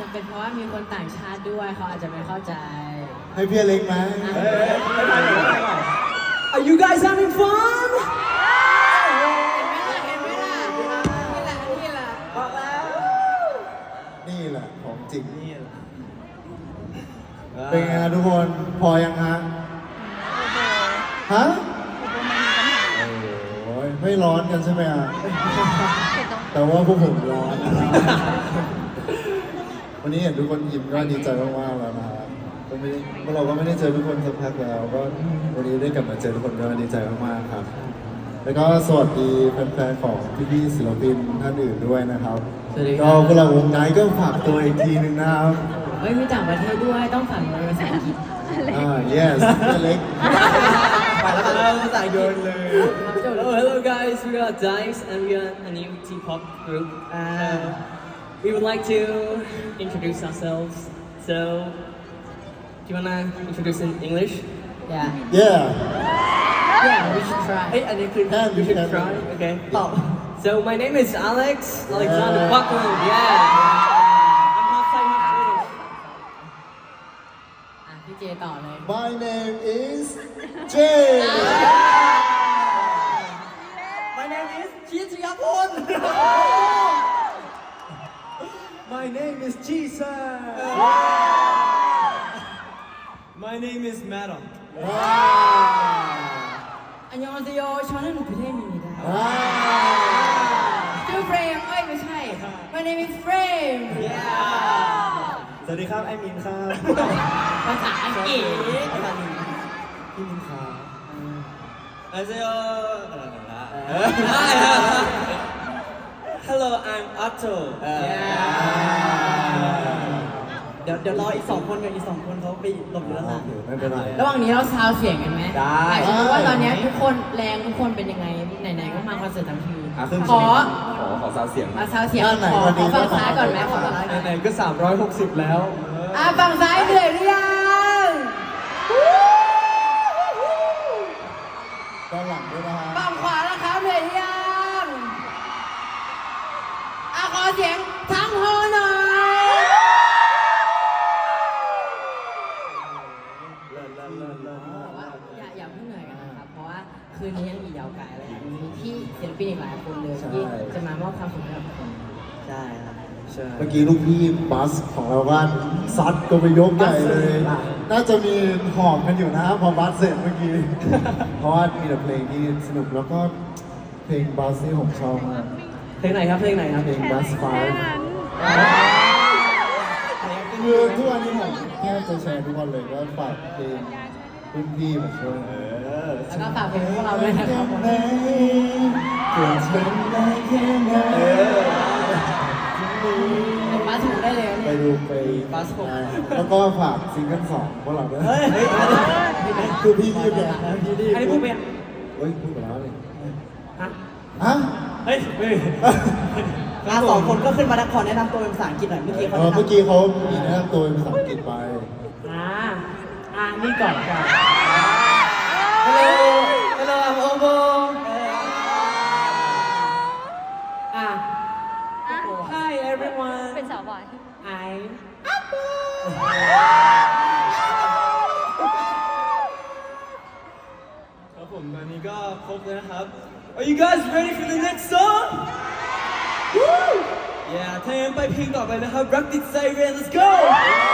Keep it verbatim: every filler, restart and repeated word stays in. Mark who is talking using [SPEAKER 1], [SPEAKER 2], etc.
[SPEAKER 1] เป็นเพราะว่ามีคนต่างชาติด้วยเขาอาจจะไม่เข้าใจ
[SPEAKER 2] ให้พี่เล็กไหม
[SPEAKER 3] Are you guys having fun
[SPEAKER 1] เห็นไหมล่ะเห็นไหมล่ะนี่แหละนี่แหละบอกแล้ว
[SPEAKER 2] นี่แหละของจริง
[SPEAKER 3] นี่แหละ
[SPEAKER 2] เป็นไงฮะทุกคนพอยังฮะฮะโอ้ยไม่ร้อนกันใช่ไหมอ่ะแต่ว่าพวกผมร้อนวันนี้เห็นทุกคนยิ้มก็ดีใจมากๆแล้วนะครับก็ไม่ได้พวกเราก็ไม่ได้เจอทุกคนสักพักแล้วก็วันนี้ได้กลับมาเจอทุกคนก็ดีใจมากๆครับแล้วก็สวัสดีแฟนๆของพี่ๆศิลปินท่านอื่นด้วยนะครับก็พวกเราวงไนท์ก็ฝากตัวอีกทีหนึ่งนะครับ
[SPEAKER 1] เฮ้ยมีต่างประเทศด้วยต้องฝังภาษาอังกฤษ
[SPEAKER 2] อ่า yes เล็ก
[SPEAKER 3] ไปแล้วกันภาษาโยนเลย Hello hello guys we are Dice and we are a new T-pop group uh, we would like to introduce ourselves so do you wanna introduce in English
[SPEAKER 1] yeah
[SPEAKER 2] yeah
[SPEAKER 1] yeah we should try
[SPEAKER 3] เอ้ยอันนี้คือ we should try okay ตอบ so my name is Alex Alexander Buckland yeah
[SPEAKER 1] เจต่อเลย
[SPEAKER 2] My name is Jay
[SPEAKER 3] My name is ชิชยพล
[SPEAKER 2] My name is Jesus
[SPEAKER 3] My name is Madam
[SPEAKER 1] อันยองอาเซโยชอนนุประเทศนี้ได้
[SPEAKER 2] ว้าว
[SPEAKER 1] ชื่อเฟรมเอ้ยไม่ใช่ My name is Frame
[SPEAKER 2] สวัสดีครับไอมินครับ
[SPEAKER 1] ภาษาอังกฤษ
[SPEAKER 2] พี่มินครับ
[SPEAKER 3] 안녕하세요. Hello, I'm Otto. เดี๋ยวเดี๋ยวรออีกสองคนกับอีกสองคนเขาไปหลบอยู่ด้านหลัง
[SPEAKER 2] ไม่เป็นไร
[SPEAKER 1] ระหว่างนี้เราซาวเสียงกันไหม
[SPEAKER 3] ได้
[SPEAKER 1] อยากจะรู้ว่าตอนนี้ทุกคนแรงทุกคนเป็นยังไงไหนๆก็มาคอนเสิร์ตทั้งทีขอ
[SPEAKER 4] ขอขอซาวเสียง
[SPEAKER 1] มาซาวเสียงขอขอฝั่งซ้ายก่อนไหมขอฝั่งซ้ายก่อน
[SPEAKER 3] ไหนๆก็สามร้อยหกสิบแล้ว
[SPEAKER 1] อ่ะฝั่งซ้ายเหนื่อยหรือยัง
[SPEAKER 2] ด้านหลังด้วยนะฮะ
[SPEAKER 1] ฝั่งขวาแล้วครับเหนื่อยหรือยังอ่ะขอเสียงทั้งฮอหน่อยแต่ว่าอย่าอย่าเพิ่งเหนื่อยกันนะครับเพราะว่าคืนนี้ยังอีกยาวไกลเลยมีที่ศิลปินอีกหลายคนเลยที่จะมามอบความสุขให้กับทุกคน
[SPEAKER 3] ใช่ครับใช่
[SPEAKER 2] เมื่อกี้ลูกพี่บัสของเราก็ซัดก็ไปยกใหญ่เลย น่าจะมีหอมกันอยู่นะพอบัสเสร็จเมื่อกี้ เพราะว่ามีแต่เพลงที่สนุกแล้วก็เพลงบัสที่ผมชอบมาก
[SPEAKER 3] เพลงไหนครับเพลงไหนครับ
[SPEAKER 2] เพลงบัสไฟคือทุกวันนี้ผมแค่จะแชร์ทุกวันเลยก็ฝากเพลงรุ่นพี่มาช่วย
[SPEAKER 1] แล้วก็ฝากเพลงพวกเราด้วยนะครับผม
[SPEAKER 2] เกิดเป็นได้แค่ไหน
[SPEAKER 1] เป็นมาถูกได้เลย
[SPEAKER 2] ไป
[SPEAKER 1] เนี่ย
[SPEAKER 2] ดูไป
[SPEAKER 3] บัสผม
[SPEAKER 2] แล้วก็ฝากซิงเกิลสองพวกเราด้วย
[SPEAKER 3] เฮ้ยเฮ้ย
[SPEAKER 2] คือพี่พูดเนี่ย
[SPEAKER 3] อันนี้พูดไปอ่ะ
[SPEAKER 2] เฮ้ยพูดไปแล้วเลย
[SPEAKER 3] ฮะ
[SPEAKER 2] ฮะ
[SPEAKER 3] เฮ้ยเฮ้ยอ่ะสองคนก็ขึ้นมาขอแนะนำตัวเป็นภาษาอังกฤษหน่อยเมื่อกี้เขา
[SPEAKER 2] เออเมื่อกี้เขามีแนะนำตัวเป็นภาษาอังกฤษไป
[SPEAKER 3] อ่าอ่านี่ก่อนก่อน Hello Hello I'm Obo อ่ะ Hi everyone
[SPEAKER 5] เป็นสาวหวาน
[SPEAKER 3] I'm ครับผมตอนนี้ก็ครบแล้วนะครับ Are you guys ready for the next song? Woo! Yeah ถ้าอย่างนั้นไปเพลงต่อไปนะครับ Rapid Siren Let's go!